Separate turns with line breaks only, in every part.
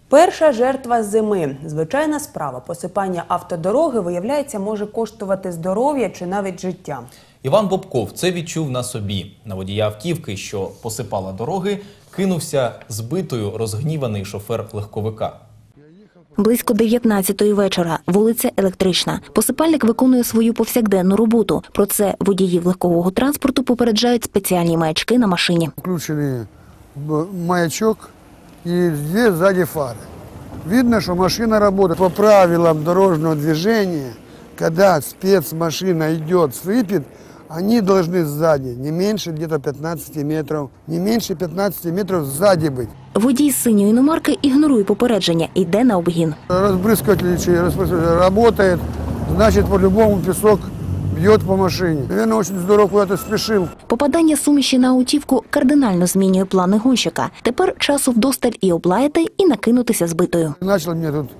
Перша жертва зими. Звичайна справа. Посипання автодороги, виявляється, може коштувати здоров'я чи навіть життя.
Іван Бобков це відчув на собі. На водія автівки, що посипала дороги, кинувся збитою розгніваний шофер легковика.
Близько 19-ї вечора. Вулиця Електрична. Посипальник виконує свою повсякденну роботу. Про це водіїв легкового транспорту попереджають спеціальні маячки на машині.
Включили маячок и две сзади фары. Видно, что машина работает. По правилам дорожного движения, когда спецмашина идет с выпит, они должны сзади не меньше где-то 15 метров, не меньше 15 метров сзади быть.
Водій з синьої іномарки ігнорує попередження і йде на обгін.
Разбрызгиватель работает, значит, по-любому песок бьет по машине. Наверное, очень здорово куда-то спешил.
Попадання суміші на автівку кардинально змінює плани гонщика. Тепер часу вдосталь і облаяти, і накинутися збитою.
Начал мне тут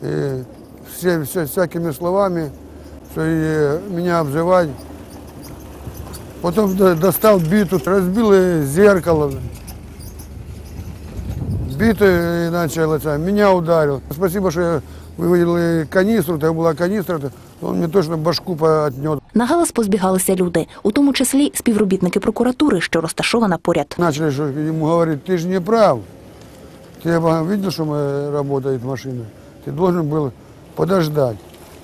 всякими словами меня обзывать. Потом достал биту, разбил зеркало. Битый начал, меня ударил. Спасибо, что я выводил канистру, это была канистра, он мне точно башку отнес.
На галас позбігалися люди, у тому числі співробітники прокуратури, що розташована поряд.
Начали ему говорить, ты же не прав. Ты видел, что работает машина? Ты должен был подождать.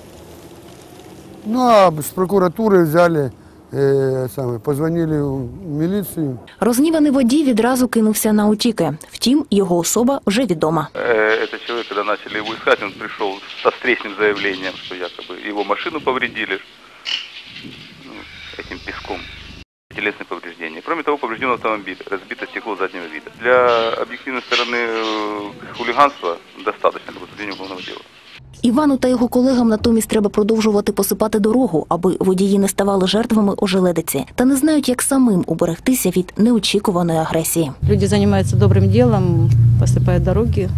Ну, а с прокуратуры взяли, позвонили в міліцію.
Розніваний водій відразу кинувся на утіки. Втім, його особа вже відома.
Этот человек, когда начали его искать, он пришел со встречным заявлением, что якобы его машину повредили этим песком. Телесные повреждения. Кроме того, поврежден автомобиль, разбито стекло заднего вида. Для объективной стороны хулиганства достаточно для возбуждения уголовного дела.
Івану та його колегам натомість треба продовжувати посипати дорогу, аби водії не ставали жертвами ожеледиці. Та не знають, як самим уберегтися від неочікуваної агресії.
Люди займаються добрим ділом, посипають дороги,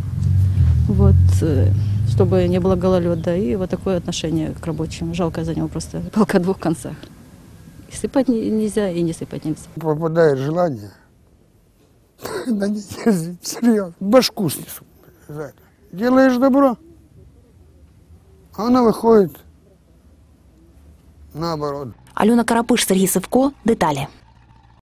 чтобы не было гололеда. И вот такое отношение к рабочим. Жалко за него просто палка о двух концах. И сыпать нельзя, и не сыпать нельзя.
Попадает желание, да не серьезно, башку снесу. Делаешь добро, а она выходит наоборот.
Альона Карапиш, Сергій Сивко. Деталі.